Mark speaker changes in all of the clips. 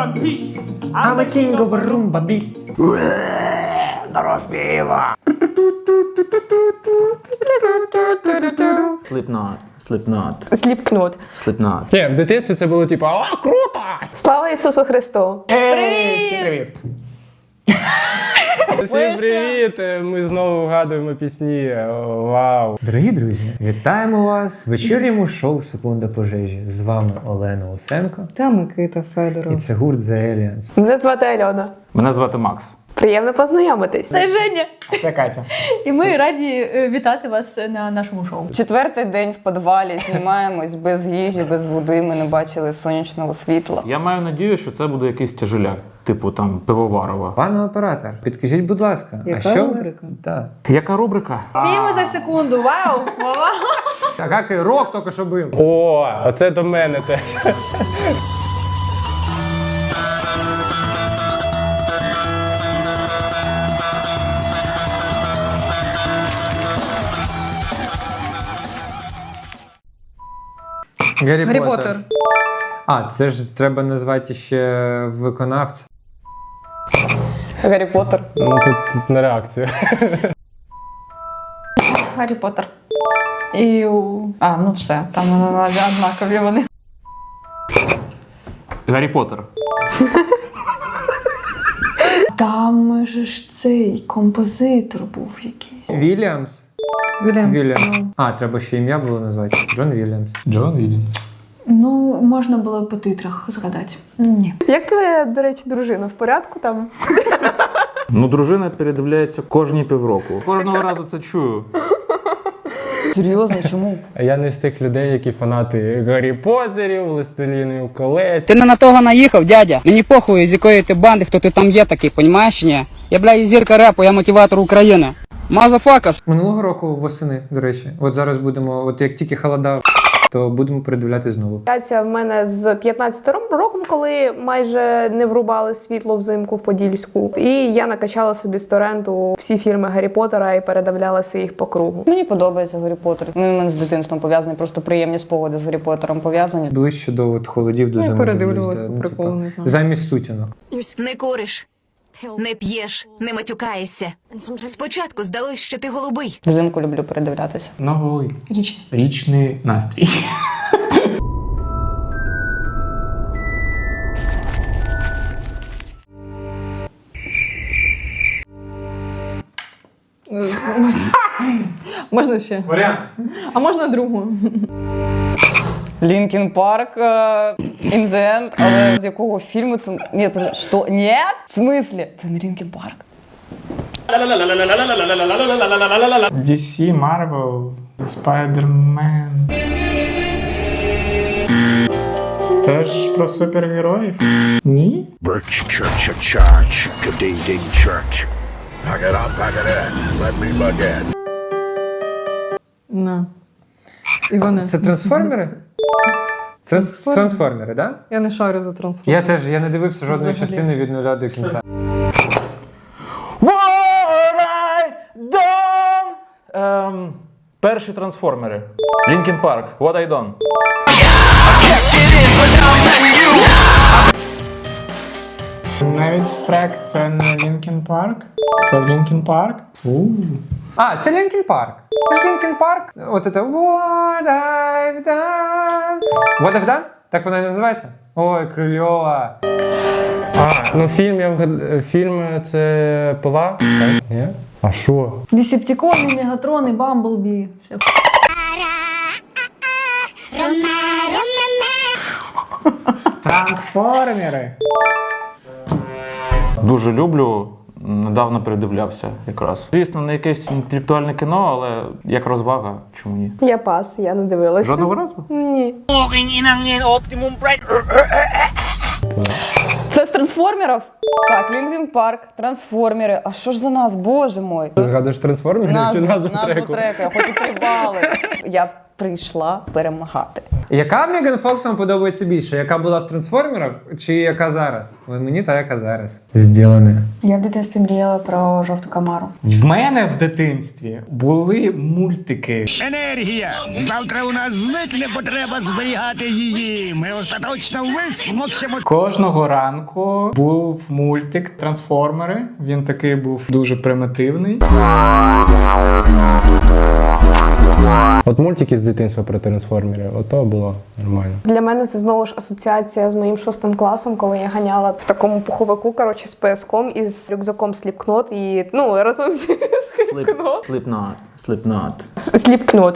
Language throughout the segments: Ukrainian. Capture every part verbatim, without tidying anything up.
Speaker 1: rumba beat.
Speaker 2: I'm a king of rumba beat.
Speaker 1: Дорофєєва. Slipknot. Slipknot.
Speaker 3: Сліпкнот.
Speaker 1: Slipknot.
Speaker 2: Ні, в дитинстві це було типу, а, круто!
Speaker 3: Слава Ісусу Христу!
Speaker 2: Привіт! Всім привіт! Всім привіт! Ми знову вгадуємо пісні. О, вау! Дорогі друзі, вітаємо вас в вечірньому шоу «Секунда пожежі». З вами Олена Усенко.
Speaker 4: Та Микита Федоров.
Speaker 2: І це гурт The Aliens.
Speaker 3: Мене звати Альона.
Speaker 1: Мене звати Макс.
Speaker 3: Приємно познайомитись.
Speaker 5: Це Женя.
Speaker 2: Це Катя.
Speaker 5: І ми раді е, вітати вас на нашому шоу.
Speaker 4: Четвертий день в підвалі, знімаємось без їжі, без води, ми не бачили сонячного світла.
Speaker 1: Я маю надію, що це буде якийсь тяжеляк, типу там пивоварова.
Speaker 2: Пане оператор, підкажіть, будь ласка,
Speaker 4: Яка
Speaker 2: а що
Speaker 4: рубрика?
Speaker 2: Так.
Speaker 1: Яка рубрика?
Speaker 5: Фільми за секунду, вау! Вау!
Speaker 2: Так, як і рок тільки що був. О, оце до мене теж. Гаррі,
Speaker 4: Гаррі
Speaker 2: Поттер.
Speaker 4: Поттер.
Speaker 2: А, це ж треба назвати ще виконавця.
Speaker 4: Гаррі Поттер.
Speaker 2: Ну, тут, тут на реакцію.
Speaker 5: Гаррі Поттер. І... у- А, ну все, там однакові вони.
Speaker 1: Гаррі Поттер.
Speaker 5: Там же ж цей композитор був якийсь.
Speaker 2: Вільямс.
Speaker 5: Вільямс.
Speaker 2: Вільямс. А, треба ще ім'я було назвати. Джон Вільямс. Джон Вільямс.
Speaker 5: Ну, можна було по титрах згадати. Ні.
Speaker 3: Як твоя, до речі, дружина? В порядку там?
Speaker 1: Ну, дружина передивляється кожні півроку. Кожного разу це чую.
Speaker 4: Серйозно, чому?
Speaker 2: Я не з тих людей, які фанати Гаррі Поттерів, Властелінів колець.
Speaker 6: Ти не на того наїхав, дядя. Мені похуй, з якої ти банди, хто ти там є такий, понімаєш, ні? Я, бля, зірка репу, я мотиватор України. Мазафакас.
Speaker 2: Минулого року восени, до речі. От зараз будемо, от як тільки холода, то будемо передивляти знову.
Speaker 3: Катя в мене з п'ятнадцятим роком, коли майже не врубали світло взимку в Подільську. І я накачала собі з торренту всі фільми Гаррі Поттера і передивлялася їх по кругу.
Speaker 4: Мені подобається Гаррі Поттер. Він у мене з дитинством пов'язаний, просто приємні спогади з Гаррі Поттером пов'язані.
Speaker 2: Ближче до от, холодів, до
Speaker 4: Ну,
Speaker 2: зими.
Speaker 4: передивлювалась
Speaker 2: дивлюсь,
Speaker 4: по
Speaker 2: да, ну,
Speaker 4: приколу,
Speaker 2: типа,
Speaker 4: не знаю.
Speaker 2: Замість сутінок.
Speaker 7: Не куриш, не п'єш, не матюкаєшся. Спочатку здалось, що ти голубий.
Speaker 4: Взимку люблю передивлятися.
Speaker 8: Новий
Speaker 5: Річний.
Speaker 8: річний настрій.
Speaker 4: Можна ще?
Speaker 2: Варіант.
Speaker 4: А можна другу? Лінкін Парк, In the End, але з якого фільму це... Ні, що? Ні? В смислі? Це не Лінкін Парк.
Speaker 8: ді сі, Marvel, Spider-Man. Це ж про супергероїв? Ні?
Speaker 9: Birch church a charge, ding ding church. Pack it up, pack it in. Let me begin.
Speaker 4: На. Іване.
Speaker 2: Це трансформери? Транс... Трансформери, так? Да?
Speaker 4: Я не шарю за трансформери.
Speaker 2: Я теж, я не дивився жодної
Speaker 4: Взагалі.
Speaker 2: частини від нуля до кінця.
Speaker 1: What I done? Ем, перші трансформери. Лінкін Парк. What I done?
Speaker 8: Навіть трек це не Лінкін Парк. Це Лінкін Парк.
Speaker 2: А, це Лінкін Парк. Це ж Лінкін Парк. От це What I've done. What I've done? Так вона і називається? Ой, кльово. А, ну фільм я вгад... Фільм це пила? Так, ні? А що?
Speaker 5: Десептикони, Мегатрони, Бамблбі. Все.
Speaker 8: Трансформери.
Speaker 1: Дуже люблю. Недавно передивлявся якраз. Звісно, не якесь інтелектуальне кіно, але як розвага, чому ні?
Speaker 3: Я пас, я не дивилася.
Speaker 1: Жодного разу?
Speaker 3: Ні.
Speaker 4: Це з трансформерів? Так, Лінкін Парк, трансформери. А що ж за нас, боже мой?
Speaker 2: Ти згадуєш трансформери чи
Speaker 4: Назву,
Speaker 2: назву
Speaker 4: назву
Speaker 2: треку?
Speaker 4: трека, я хочу три бали. Я прийшла перемагати.
Speaker 2: Яка Меган Фокс вам подобається більше? Яка була в трансформерах чи яка зараз? Ой, мені та яка зараз. Зділене.
Speaker 5: Я в дитинстві мріяла про жовту камару.
Speaker 8: В мене в дитинстві були мультики.
Speaker 9: Енергія! Завтра у нас зникне потреба зберігати її. Ми остаточно висмокчемо.
Speaker 8: Кожного ранку був мультик Трансформери. Він такий був дуже примітивний.
Speaker 10: От мультики з дитинства про трансформерів, ото було нормально.
Speaker 3: Для мене це знову ж асоціація з моїм шостим класом, коли я ганяла в такому пуховику, коротше, з пояском і з рюкзаком Slipknot і, ну, разом з Slipknot.
Speaker 1: Slipknot. Slipknot.
Speaker 3: Slipknot.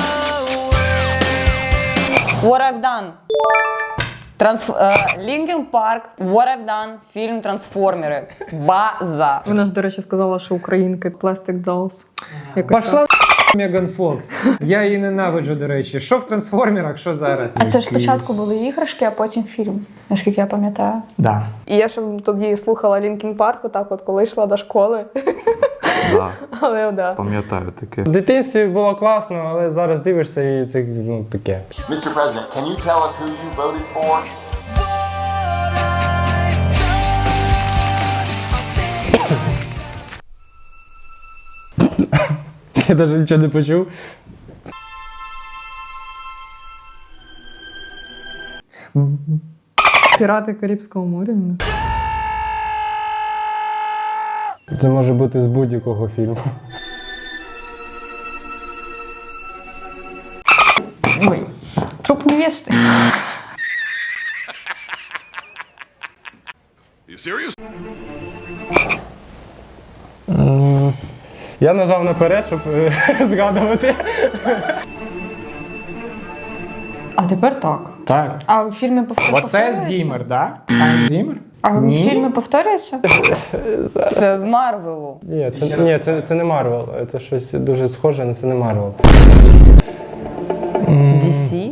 Speaker 4: What I've done. Транс... Лінкін Парк, What I've Done, фільм Трансформери. База.
Speaker 5: Вона ж, до речі, сказала, що українки Plastic Dolls.
Speaker 2: Пошла Меган Фокс. Я її ненавиджу, до речі. Що в трансформерах, що зараз?
Speaker 5: А це ж спочатку були іграшки, а потім фільм, наскільки я пам'ятаю.
Speaker 8: Да.
Speaker 3: І я ще тоді слухала Лінкін Парк, отак от, коли йшла до школи.
Speaker 1: Да,
Speaker 3: Але, да.
Speaker 1: пам'ятаю таке.
Speaker 10: В дитинстві було класно, але зараз дивишся і це, ну, таке.
Speaker 11: Mister President, can you tell us who you voted for?
Speaker 10: Я навіть нічого не почув.
Speaker 5: Пірати Карибського моря.
Speaker 10: Це може бути з будь-якого фільму.
Speaker 5: Ой, труп невести.
Speaker 9: You serious?
Speaker 10: М, Я нажав наперед, щоб е, згадувати.
Speaker 5: А тепер так.
Speaker 8: Так.
Speaker 5: А в фільмі повторюється?
Speaker 8: Оце Зімер, да? Айн Зімер?
Speaker 5: А в
Speaker 8: Ні.
Speaker 5: фільмі повторюється?
Speaker 4: Це з Марвелу.
Speaker 10: Ні, це, ні, це, це не Марвел. Це щось дуже схоже, але це не Марвел.
Speaker 4: Ді Сі?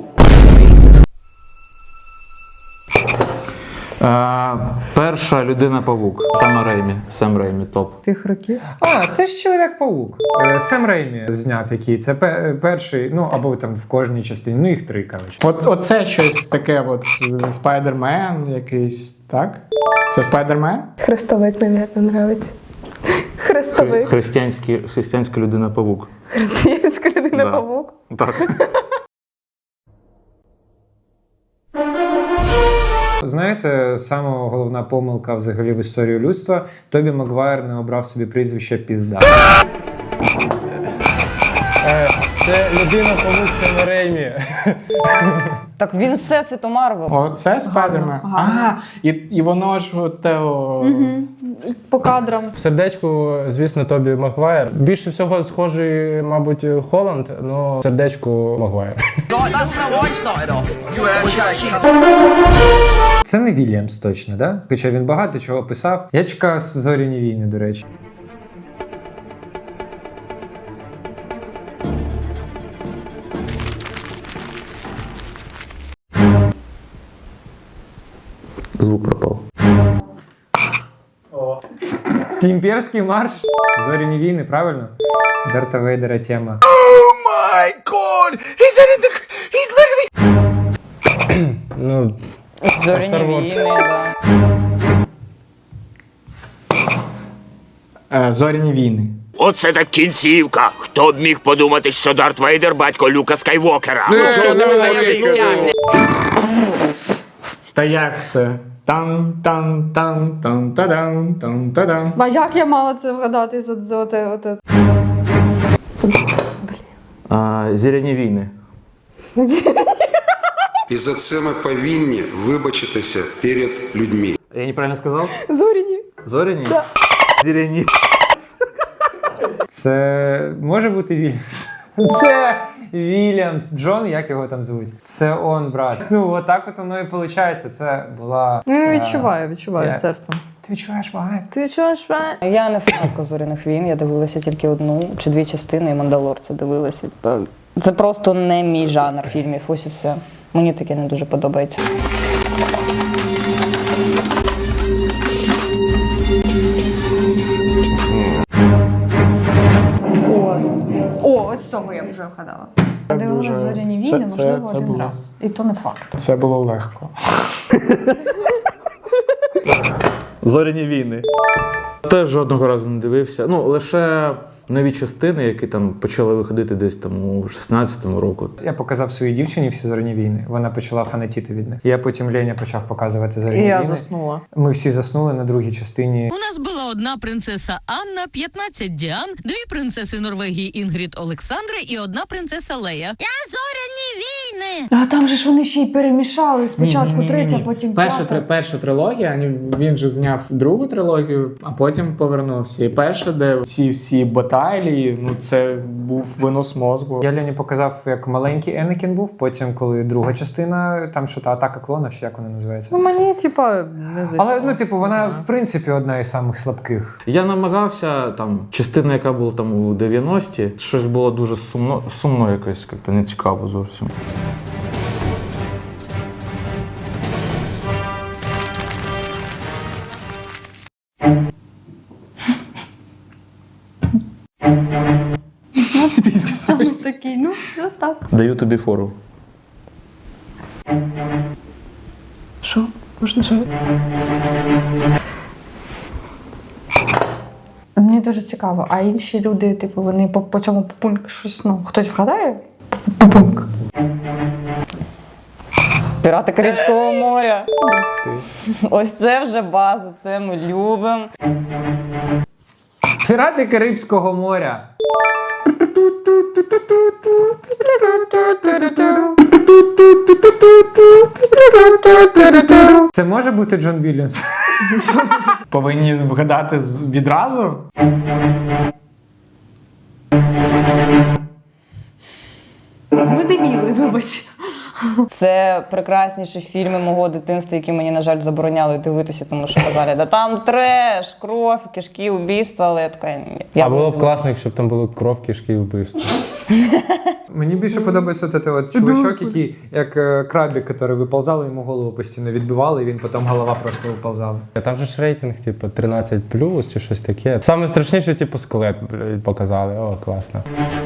Speaker 1: Е, перша людина-павук. Сам Реймі. Сам Реймі, топ.
Speaker 5: Тих років.
Speaker 2: А, це ж Чоловік-паук. Е, Сем Реймі зняв який. Це пе- перший, ну або там в кожній частині. Ну їх три, коротше.
Speaker 8: От, оце щось таке, от е, Спайдермен якийсь, так? Це Спайдермен?
Speaker 3: Хрестовик, мабуть, нравиться. Хрестовик.
Speaker 1: Християнський, християнська людина-павук.
Speaker 3: Християнська людина-павук.
Speaker 1: Так.
Speaker 2: Знаєте, сама головна помилка взагалі в історії людства – Тобі Магуайр не обрав собі прізвище пізда.
Speaker 10: Е, Це людина-павук Сема Реймі.
Speaker 4: Так він все світу Марвел.
Speaker 8: Оце Спайдермен. А, і, і воно ж от, о,
Speaker 5: По кадрам.
Speaker 10: В сердечку, звісно, Тобі Магуайр. Більше всього схожий, мабуть, Холланд, але в сердечку Магуайр.
Speaker 2: Це не Вільямс точно, да? Хоча він багато чого писав. Я чекаю «Зоряні війни», до речі.
Speaker 1: Звук пропав.
Speaker 2: Імперський марш. «Зоряні війни», правильно? Дарта Вейдера тема.
Speaker 10: Ну,
Speaker 4: Зоряні
Speaker 10: Star Wars.
Speaker 4: війни, да.
Speaker 8: е, Зоряні війни.
Speaker 9: Оце так кінцівка. Хто б міг подумати, що Дарт Вейдер батько Люка Скайвокера? Ну, чого тебе за язик тягне?
Speaker 8: Та як це? Там, там, там, там, та-дам, там, та-дам.
Speaker 5: А як я мала це вгадати за, за оте, оте?
Speaker 1: А, Зіряні війни.
Speaker 12: І за це ми повинні вибачитися перед людьми.
Speaker 1: Я неправильно сказав?
Speaker 3: Зоряні.
Speaker 1: Зоряні? Да. Зіряні.
Speaker 2: Це може бути Вільямс? Це Вільямс. Джон, як його там звуть? Це он, брат. Ну, отак от воно і виходить. Це була...
Speaker 5: Ну,
Speaker 2: е,
Speaker 5: відчуваю, відчуваю
Speaker 2: я-
Speaker 5: серцем.
Speaker 2: Ти відчуваєш вайб?
Speaker 5: Ти відчуваєш вайб?
Speaker 4: Я не фанатка Зоряних війн, я дивилася тільки одну чи дві частини, і Мандалорця дивилася. Це просто не мій жанр фільмів, ось і все. Мені таке не дуже подобається.
Speaker 5: О, от з цього я вже вгадала. Дивилась
Speaker 8: Дуже-
Speaker 5: зоряні
Speaker 8: це-
Speaker 5: війни,
Speaker 8: це-
Speaker 5: можливо,
Speaker 8: це
Speaker 5: один
Speaker 8: було.
Speaker 5: раз. І то не факт.
Speaker 8: Це було легко.
Speaker 1: Зоряні війни. Теж жодного разу не дивився. Ну, лише нові частини, які там почали виходити десь там у шістнадцятому року.
Speaker 2: Я показав своїй дівчині всі зоряні війни. Вона почала фанатіти від них. Я потім Леня почав показувати зоряні
Speaker 3: І я
Speaker 2: війни.
Speaker 3: заснула.
Speaker 2: Ми всі заснули на другій частині.
Speaker 7: У нас була одна принцеса Анна, п'ятнадцять Діан, дві принцеси Норвегії Інгрід Олександра і одна принцеса Лея. Я зоряні війни!
Speaker 5: А там же ж вони ще й перемішали. Спочатку третя, потім
Speaker 8: Перша,
Speaker 5: п'ята.
Speaker 8: три- перша трилогія, він- він же зняв другу трилогію, а потім повернувся. І перша, де ці всі баталії, ну це був винос мозку.
Speaker 2: Я Лені показав, як маленький Енекін був, потім, коли друга частина, там що та атака клонів, чи як вона називається.
Speaker 3: Ну, мені, типа, не зайшло.
Speaker 2: Але, ну, типу, вона, в принципі, одна із самих слабких.
Speaker 1: Я намагався, там, частина, яка була там у дев'яності, щось було дуже сумно, сумно якось, як-то не цікаво зовсім.
Speaker 5: Саме такий, ну, ну так.
Speaker 1: Даю тобі фору.
Speaker 3: Що? Можна що?
Speaker 5: Мені дуже цікаво, а інші люди, типу, вони по, по цьому пункту щось, ну, хтось вгадає? Пункт.
Speaker 4: Пірати Карибського моря. Ось це вже база, це ми любимо.
Speaker 2: Пірати Карибського моря. Це може бути Джон Вільямс?
Speaker 8: Повинні вгадати з- відразу.
Speaker 5: Ми дебіли, вибач.
Speaker 4: Це прекрасніші фільми мого дитинства, які мені, на жаль, забороняли дивитися, тому що казали, да там треш, кров, кишки, убійства, але я така, ні. Я
Speaker 10: А було б
Speaker 4: буду
Speaker 10: класно, якщо б там були кров, кишки і вбивства.
Speaker 2: Мені більше подобається от, от чувачок, який, як е, крабик, який виповзали, йому голову постійно відбивали, і він потім голова просто виповзала.
Speaker 10: А там же ж рейтинг, типу, тринадцять плюс чи щось таке. Саме страшніше, типу, скелет блядь, показали. О, класно.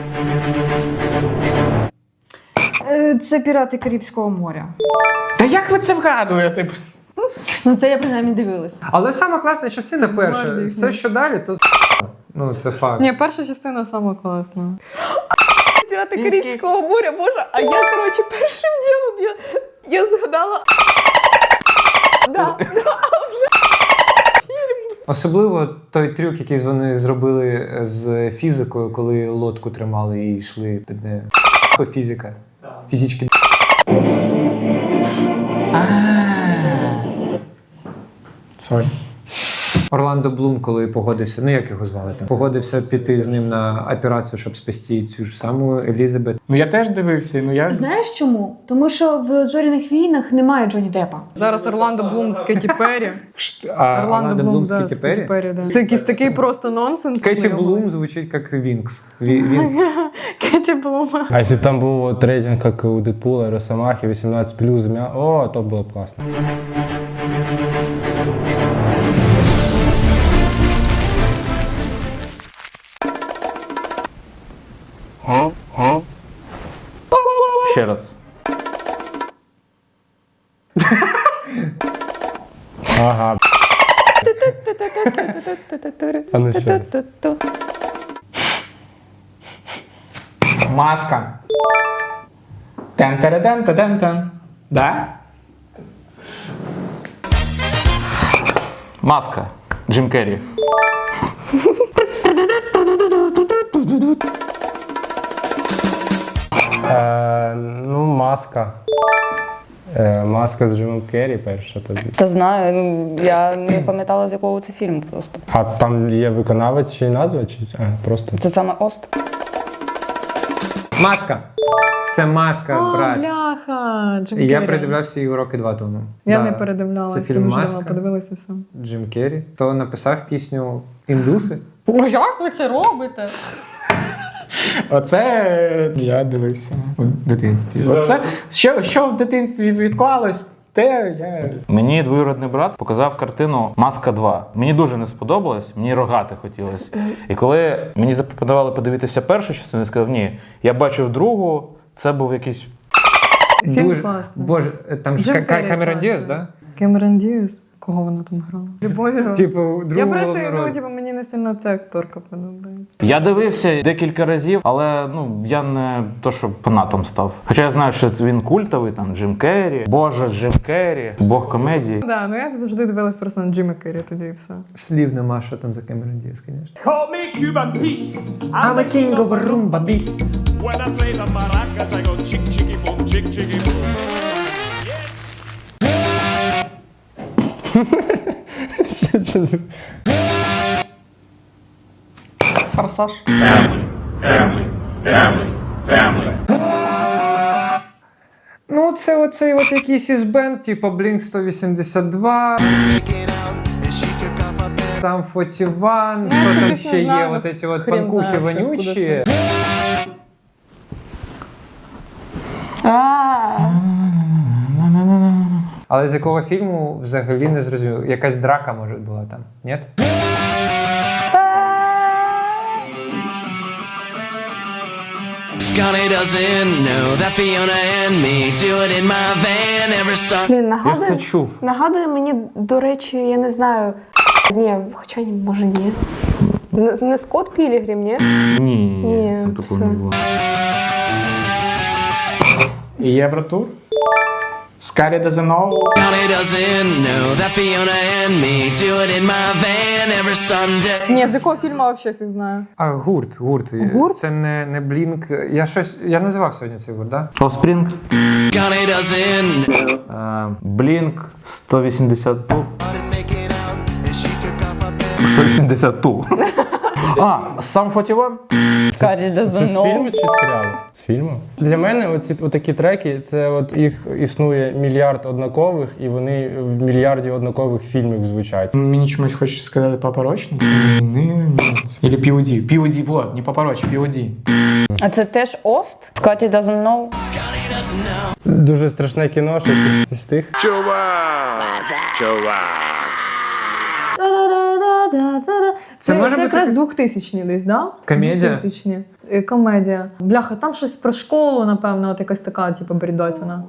Speaker 5: Е, Це пірати Карибського моря.
Speaker 8: Та як ви це вгадуєте?
Speaker 5: Ну, це я принаймні дивилась.
Speaker 2: Але сама класна частина перша. Все, що далі, то ну, це факт.
Speaker 3: Ні, перша частина сама класна. Пірати Карибського моря, боже, а я, коротше, першим ділом я, я згадала. Да, да.
Speaker 2: Особливо той трюк, який вони зробили з фізикою, коли лодку тримали і йшли під нею. О, фізика. Фізички.
Speaker 8: Сорі.
Speaker 2: Орландо Блум, коли погодився, ну як його звали там, погодився піти з ним на операцію, щоб спасти цю ж саму Елізабет.
Speaker 8: Ну я теж дивився, ну я...
Speaker 5: Знаєш чому? Тому що в «Зоряних війнах» немає Джонні Деппа.
Speaker 3: Зараз Орландо Блум з Кеті Перрі.
Speaker 2: А Орландо Блум з
Speaker 3: да,
Speaker 2: Кеті Перрі?
Speaker 3: да. Це якийсь такий просто нонсенс.
Speaker 2: Кеті Блум звучить як Вінкс. Ві- Вінкс.
Speaker 3: Кеті Блум.
Speaker 10: А якщо б там був от рейтинг, як у Дедпула, Росомахи, вісімнадцять плюс, м'я... О, то було б класно.
Speaker 1: Ще раз.
Speaker 10: Ага. А ну ще раз.
Speaker 8: Маска. Тен-тере-тен-тен-тен. Да?
Speaker 1: Маска. Джим Керрі.
Speaker 10: Е, ну, маска. Е, маска з Джимом Керрі перша тобі.
Speaker 4: Та знаю, ну, я не пам'ятала, з якого це фільм просто.
Speaker 10: А там є виконавець чи назва? Чи а, просто?
Speaker 4: Це саме Ост.
Speaker 2: Маска. Це маска,
Speaker 3: О,
Speaker 2: брат.
Speaker 3: бляха, Джим
Speaker 2: І я
Speaker 3: Керрі.
Speaker 2: передивлявся її роки два тому.
Speaker 3: Я
Speaker 2: Да.
Speaker 3: не передивлялася.
Speaker 2: Це фільм
Speaker 3: дуже
Speaker 2: «Маска».
Speaker 3: давно подивилася все.
Speaker 2: Джим Керрі. То написав пісню «Індуси».
Speaker 5: О, як ви це робите?
Speaker 8: Оце я дивився у дитинстві. Оце, що, що в дитинстві відклалось, те я...
Speaker 1: Мені двоюродний брат показав картину «Маска два». Мені дуже не сподобалось, мені рогати хотілося. І коли мені запропонували подивитися першу частину, я сказав, ні, я бачив другу, Це був якийсь.
Speaker 2: Дуже...
Speaker 5: класний.
Speaker 2: Боже, там ж
Speaker 5: Джим
Speaker 2: Ка- Ка-
Speaker 5: Керрі
Speaker 2: Камерон
Speaker 5: класний.
Speaker 2: Діас, да?
Speaker 5: Кемерон Діас. Кого вона там грала? Любові.
Speaker 2: Типу,
Speaker 5: Я
Speaker 2: другу
Speaker 5: просто,
Speaker 2: головну роль.
Speaker 5: ну, типу, мені не сильно ця акторка подобається.
Speaker 1: Я дивився декілька разів, але ну я не то, що фанатом став. Хоча я знаю, що він культовий, там Джим Керрі, Боже, Джим Керрі, Бог комедії.
Speaker 5: Да, ну я завжди дивилась просто на Джима Керрі тоді і все.
Speaker 2: Слів нема, що там за Камерон Діас, звісно.
Speaker 13: Call me Cuban Pete.
Speaker 2: I'm a king of rumba beat.
Speaker 13: When I play the maracas, I go chick chicky boom, chick chicky boom.
Speaker 5: Форсаж.
Speaker 13: Family, family, family, family.
Speaker 2: Ну, це оцей от якийсь із бенд, типу Блінк сто вісімдесят два, Сам сорок один, що там
Speaker 5: звісно,
Speaker 2: ще є,
Speaker 5: знаю,
Speaker 2: от ці от
Speaker 5: хрен
Speaker 2: панкухи
Speaker 5: знає, що,
Speaker 2: вонючі.
Speaker 5: откуда А.
Speaker 2: Але з якого фільму взагалі не зрозумів? Якась драка, може, була там, ні?
Speaker 14: Scotty doesn't know that Fiona and me do it in my van every Sunday.
Speaker 3: Блін,
Speaker 1: Я ж
Speaker 3: нагадує,
Speaker 1: це чув.
Speaker 3: нагадує мені, до речі, я не знаю. Ні, хоча ні, може ні. Не, не Скотт Пілігрім, ні?
Speaker 1: Ні, ні,
Speaker 3: Ні,
Speaker 1: ні, такого
Speaker 3: все.
Speaker 1: не було.
Speaker 8: Євротур? Scotty doesn't know.
Speaker 14: Scotty doesn't know that Fiona and me do it in my van every Sunday.
Speaker 5: Ні, з якого фільму взагалі фіг знаю.
Speaker 2: А, гурт, гурт.
Speaker 5: Гурт?
Speaker 2: Це не, не Блінк. Я щось, я називав сьогодні цей гурт, да?
Speaker 1: Offspring,
Speaker 14: Scotty doesn't know.
Speaker 1: е, Blink сто вісімдесят два. сто вісімдесят два. А, Сам сорок один?
Speaker 4: Scotty
Speaker 10: Це
Speaker 4: doesn't
Speaker 10: з фільму
Speaker 4: know.
Speaker 10: чи з серіалу? З фільму. Для мене оці отакі треки, це от їх існує мільярд однакових, і вони в мільярді однакових фільмів звучать.
Speaker 8: Мені чомусь хочеться сказати Папа Роч, ну це не, не, Или пі о ді. пі о ді, вот, не Папа Роч, пі о ді.
Speaker 4: А це теж Ост? Scotty doesn't know.
Speaker 10: Дуже страшне кіно, що з тих.
Speaker 9: Чувак! Чувак!
Speaker 2: Це може
Speaker 5: це
Speaker 2: бути
Speaker 5: якраз двохтисячні десь, да?
Speaker 2: Комедія?
Speaker 5: двохтисячні. Е, Комедія. Бляха, там щось про школу, напевно, от якась така, типу, бредотіна.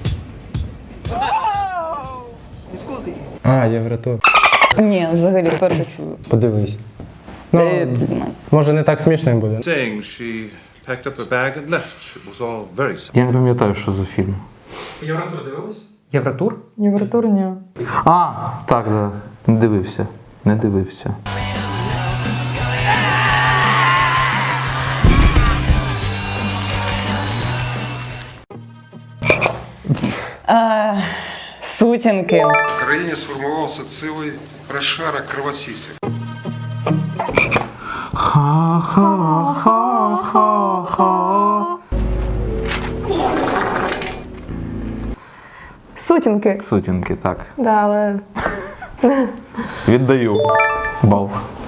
Speaker 10: А, Євротур.
Speaker 4: Ні, взагалі вперше чую.
Speaker 10: Подивись.
Speaker 4: Е,
Speaker 10: Ну, може не так смішним буде.
Speaker 15: Saying she packed up her bag and left. It was all very simple.
Speaker 1: Я не пам'ятаю, що за фільм.
Speaker 2: Євротур дивились? Євротур?
Speaker 5: Євротур, ні.
Speaker 1: А, так, да. Не дивився. Не дивився.
Speaker 4: А, сутінки.
Speaker 12: В країні сформувався цілий розшарок кровосісів.
Speaker 1: Ха-ха-ха-ха.
Speaker 3: Сутінки.
Speaker 1: Сутінки, так.
Speaker 3: Да, але
Speaker 1: Віддаю бал.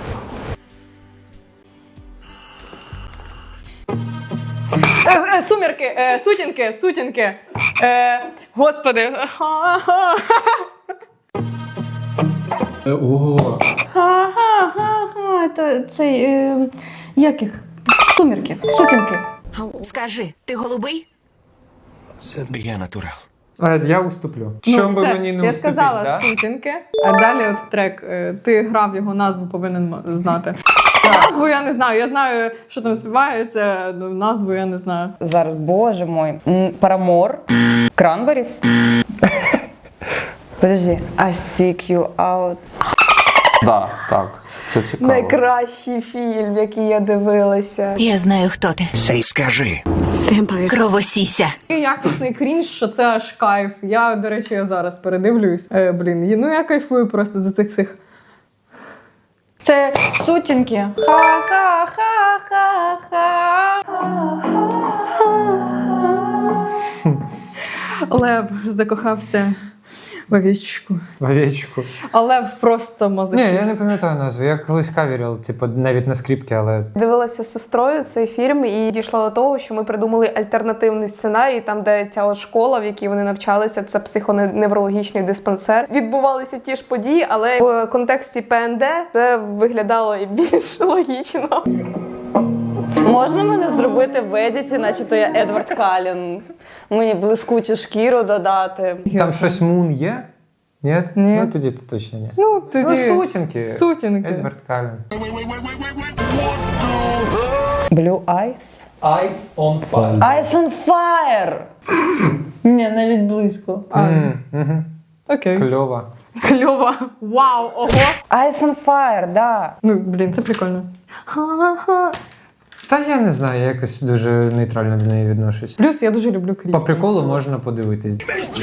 Speaker 5: Е, е, сумірки, е, сутінки, сутінки. Е, господи.
Speaker 10: Ого.
Speaker 5: Ха-ха-ха-ха. Це цей, е, як їх? Сумірки, сутінки.
Speaker 7: Скажи, ти голубий?
Speaker 11: Я натурал.
Speaker 2: А, я уступлю. Чому би
Speaker 5: все,
Speaker 2: мені не
Speaker 5: я
Speaker 2: уступити,
Speaker 5: сказала
Speaker 2: да?
Speaker 5: сутінки, а далі от трек. е, Ти грав його назву, повинен м- знати. Назву я не знаю. Я знаю, що там співається, ну, назву я не знаю.
Speaker 4: Зараз, боже мой. М, Парамор. Кранберіс. Подожди. I stick you out.
Speaker 1: Да, так. Це цікаво.
Speaker 3: найкращий фільм, який я дивилася.
Speaker 7: Я знаю, хто ти.
Speaker 9: Сей скажи.
Speaker 7: Кровосіся.
Speaker 5: І якісний крінж, що це аж кайф. Я, до речі, я зараз передивлюсь. Е, блін, і- ну я кайфую просто за цих всіх. Це сутінки. Лев закохався в овечку.
Speaker 2: Овечку.
Speaker 5: А Лев просто
Speaker 2: Ні,
Speaker 5: мазохіст.
Speaker 2: я не пам'ятаю назву. Я колись кавірив, типу, навіть на скрипці, але
Speaker 3: Дивилася з сестрою цей фільм і дійшла до того, що ми придумали альтернативний сценарій, там, де ця от школа, в якій вони навчалися, це психоневрологічний диспансер. Відбувалися ті ж події, але в контексті ПНД це виглядало і більш логічно.
Speaker 4: Можна мене зробити в едіті, начебто я Едвард Каллен. Мені блискучу шкіру додати.
Speaker 2: Там щось мун є? Ні?
Speaker 5: Ні.
Speaker 2: Ну тоді це точно ні.
Speaker 5: Ну, тоді...
Speaker 2: Ну, сутінки.
Speaker 5: Сутінки.
Speaker 2: Едвард Каллен.
Speaker 4: Blue Eyes?
Speaker 8: Eyes on fire.
Speaker 4: Eyes on fire!
Speaker 5: Ні, навіть близько. А,
Speaker 2: М, мгм.
Speaker 5: окей.
Speaker 2: Кльово.
Speaker 5: Кльово. Вау, ого.
Speaker 4: Eyes on fire, да.
Speaker 5: Ну, блін, це прикольно. Ха-ха.
Speaker 2: Та я не знаю, я якось дуже нейтрально до неї відношусь.
Speaker 5: Плюс я дуже люблю Кріс.
Speaker 2: По приколу можна подивитись.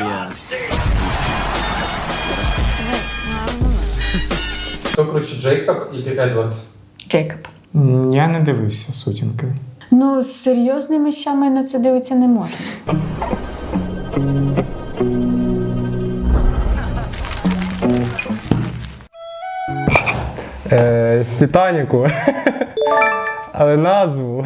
Speaker 1: Хто круче, Джейкоб і Едвард?
Speaker 5: Джейкоб.
Speaker 8: М, Я не дивився сутінки.
Speaker 16: Ну, з серйозними вещами на це дивитися не можна.
Speaker 10: Е, з Титаніку. Але назву.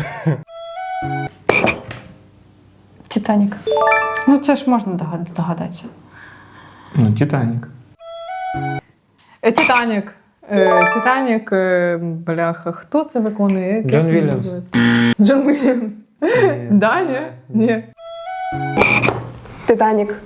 Speaker 16: Титанік. Ну, це ж можна догад- здогадатися.
Speaker 8: Ну, Титанік.
Speaker 5: Е, Титанік. Е, Титанік, е, бляха, хто це виконує? Як
Speaker 2: Джон
Speaker 5: він
Speaker 2: Вільямс.
Speaker 5: називається? Джон Вільямс. Да, ні? Ні.
Speaker 3: Титанік.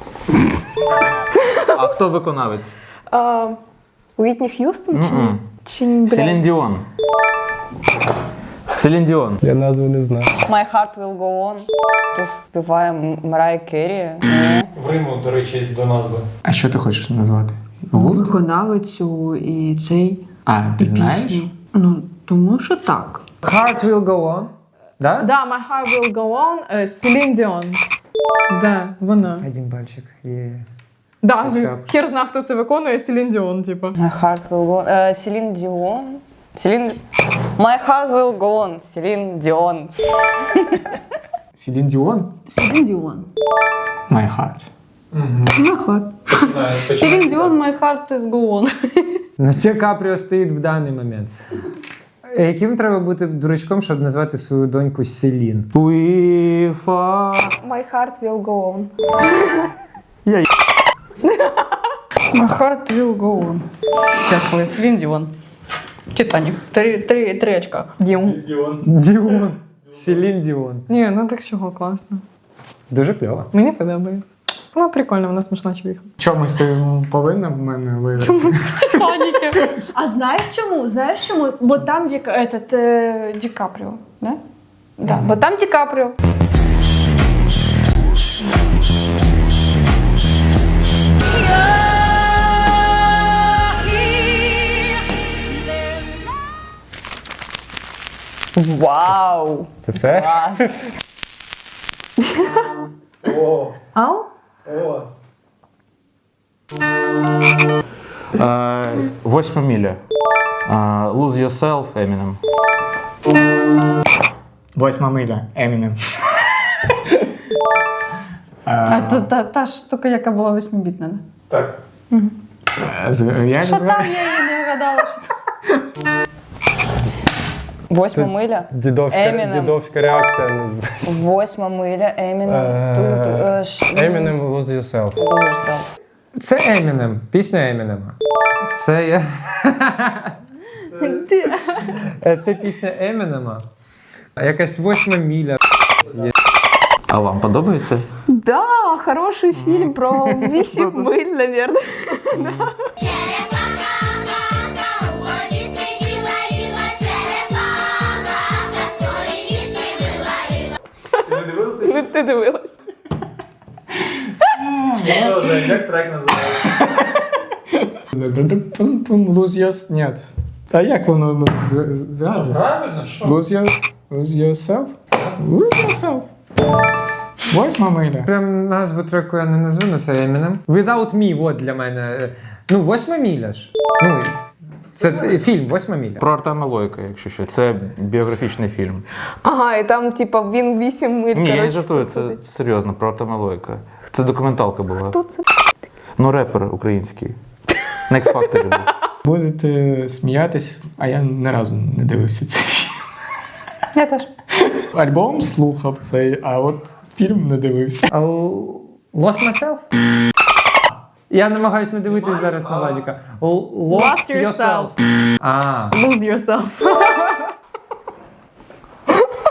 Speaker 1: А хто виконавець?
Speaker 3: А, Уітні Х'юстон чи,
Speaker 1: Мгм.
Speaker 3: чи блядь?
Speaker 1: Селін Діон. Селін Діон.
Speaker 10: Я назву не знаю.
Speaker 4: My heart will go on. Тут співає М- Марай Керрі. Ні.
Speaker 10: В Риму, до речі, до назви.
Speaker 8: А що ти хочеш назвати? Гурт?
Speaker 17: Виконавицю і цей
Speaker 8: А, ти
Speaker 17: і
Speaker 8: знаєш?
Speaker 17: пісню. Ну, тому що так.
Speaker 2: Heart will go on. Да?
Speaker 5: Да, My Heart Will Go On, е, Селін Діон. Да, вона.
Speaker 2: Один пальчик. Є.
Speaker 5: Да,
Speaker 2: Хоча б.
Speaker 5: хер зна, хто це виконує, Селін Діон, типу.
Speaker 4: My heart will go on. Е, Селін Діон. Селін... My heart will go on. Селін Діон.
Speaker 8: Селін Діон?
Speaker 17: Селін Діон.
Speaker 8: My Heart.
Speaker 17: Наход.
Speaker 16: Селін Діон, My Heart is Go On.
Speaker 2: На це Капріо стоїть в даний момент. Е, Яким треба бути дурачком, щоб назвати свою доньку Селін?
Speaker 1: Уіфа.
Speaker 3: My heart will go on.
Speaker 16: My Heart will Go On. Дякую, Селін Діон. Титанік. Три, три, три очка. Діон.
Speaker 2: Діон. Селін Діон.
Speaker 5: Ні, ну так чого, класно.
Speaker 2: Дуже кльово.
Speaker 5: Мені подобається. Вона прикольна, вона смішна чоловіка.
Speaker 8: Чомусь ти повинна в мене виграти.
Speaker 16: Титаніки. А знаєш чому? Знаєш чому? Бо там Ді, этот, е, Ді Капріо, да? Да, бо там Ді Капріо.
Speaker 4: Вау!
Speaker 10: Це все?
Speaker 4: Клас!
Speaker 5: Ау?
Speaker 1: Е, Восьма міля. Е, Lose Yourself, Eminem.
Speaker 8: Восьма миля. Емінем.
Speaker 16: А та, та, та штука, яка була восьмибітна, да?
Speaker 8: Так. Як
Speaker 16: Що
Speaker 8: звати?
Speaker 16: там, я її не вгадала.
Speaker 4: Восьма миля.
Speaker 10: Дідовська,
Speaker 4: Eminem.
Speaker 10: дідовська реакція.
Speaker 4: Восьма миля. Емінем.
Speaker 10: Е,
Speaker 4: Тут... е, ш-
Speaker 10: Eminem Lose Yourself.
Speaker 4: Lose yourself.
Speaker 2: Це Емінем. Пісня Емінема. Це я. Е, Це пісня Емінема. Якась восьма міля.
Speaker 1: А вам подобається?
Speaker 3: Да, хороший фільм про вісім миль, наверное. Ну, ти дивилась.
Speaker 8: Як трек називається? Lose yourself. Нет. А як воно згадує?
Speaker 1: Правильно, що?
Speaker 8: Lose your- lose yourself? Lose yourself. Восьма миля.
Speaker 2: Прям назву треку я не назву, але це Емінем. Without Me, от для мене. Ну, восьма міля ж. Ну, це т- фільм «Восьма міля».
Speaker 1: Про Артема Лойка, якщо що. Це біографічний фільм.
Speaker 3: Ага, і там, типа, він вісім миль.
Speaker 1: Ні, я не
Speaker 3: коротше,
Speaker 1: жартую, це,
Speaker 3: проходить.
Speaker 1: це серйозно, про Артема Лойка. Це документалка була.
Speaker 3: Хто це?
Speaker 1: Ну, репер український. На X-Factor був.
Speaker 8: Будете сміятись, а я ні разу не дивився цей фільм.
Speaker 16: Я теж.
Speaker 8: Альбом слухав цей, а от фільм не дивився.
Speaker 2: А у- Lost Myself? Я намагаюсь не дивитись зараз на Владіка. L- Lost
Speaker 5: Lost
Speaker 2: Yourself.
Speaker 5: Yourself.
Speaker 2: А.
Speaker 5: Lose Yourself.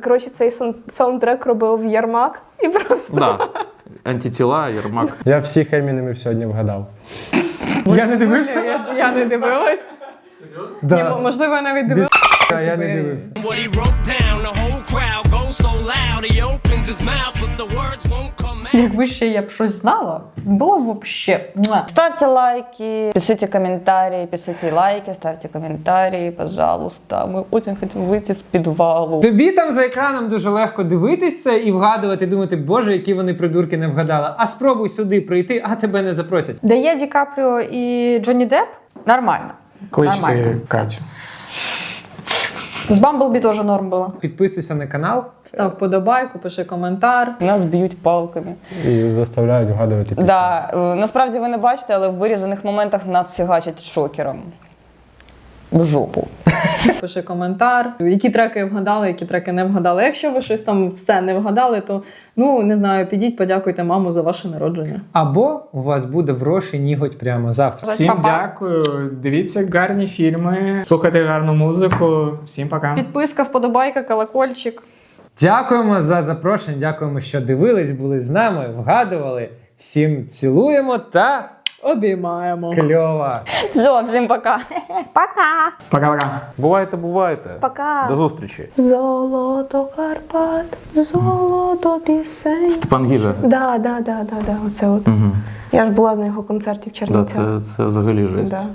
Speaker 3: Коротше, цей сан- саундтрек робив Ярмак і просто.
Speaker 1: Да. Антитіла, Єрмак.
Speaker 10: Я всіх Емінемів сьогодні вгадав.
Speaker 2: Я не дивився?
Speaker 5: Я, я не дивилась.
Speaker 2: Да.
Speaker 5: Ні, мо- можливо, я навіть дивилась.
Speaker 2: А, я не дивився.
Speaker 14: What he wrote down, the whole crowd goes so loud. He opens his mouth, but the words won't come out.
Speaker 16: Якби ще я б щось знала, було б вообще. Муа.
Speaker 4: Ставьте лайки, пишите комментарии, пишите лайки, ставьте комментарии, пожалуйста. Мы очень хотим выйти с подвалу.
Speaker 2: Тобі там за екраном дуже легко дивитися і вгадувати, думати, боже, які вони придурки не вгадали. А спробуй сюди прийти, а тебе не запросять.
Speaker 16: Де є Ді Капріо і Джонні Депп, нормально.
Speaker 8: Кличте
Speaker 16: Нормально.
Speaker 8: Катю.
Speaker 16: З Бамблбі теж норм було.
Speaker 2: Підписуйся на канал.
Speaker 5: Став подобайку, пиши коментар.
Speaker 4: Нас б'ють палками.
Speaker 10: І заставляють вгадувати пісню.
Speaker 4: Да, е, насправді ви не бачите, але в вирізаних моментах нас фігачать шокером. В жопу.
Speaker 5: Пиши коментар, які треки вгадали, які треки не вгадали. Якщо ви щось там все не вгадали, то ну не знаю, підіть, подякуйте маму за ваше народження.
Speaker 2: Або у вас буде вроший ніготь прямо завтра.
Speaker 8: Всім дякую. Дивіться гарні фільми, слухайте гарну музику. Всім пока.
Speaker 16: Підписка, вподобайка, колокольчик.
Speaker 2: Дякуємо за запрошення, дякуємо, що дивились, були з нами, вгадували. Всім цілуємо та
Speaker 5: обіймаємо.
Speaker 2: Кльово.
Speaker 4: Все, всім пока.
Speaker 3: Пока!
Speaker 8: Пока-пока.
Speaker 1: Бувайте, бувайте.
Speaker 3: Пока!
Speaker 1: До зустрічі.
Speaker 3: Золото Карпат, золото пісень.
Speaker 1: Степан Гіжа.
Speaker 3: Да, да, да, да, да, оце от.
Speaker 1: Угу.
Speaker 3: Я ж була на його концерті в
Speaker 1: Да,
Speaker 3: Чернівцях.
Speaker 1: це, це взагалі жесть.
Speaker 3: Да.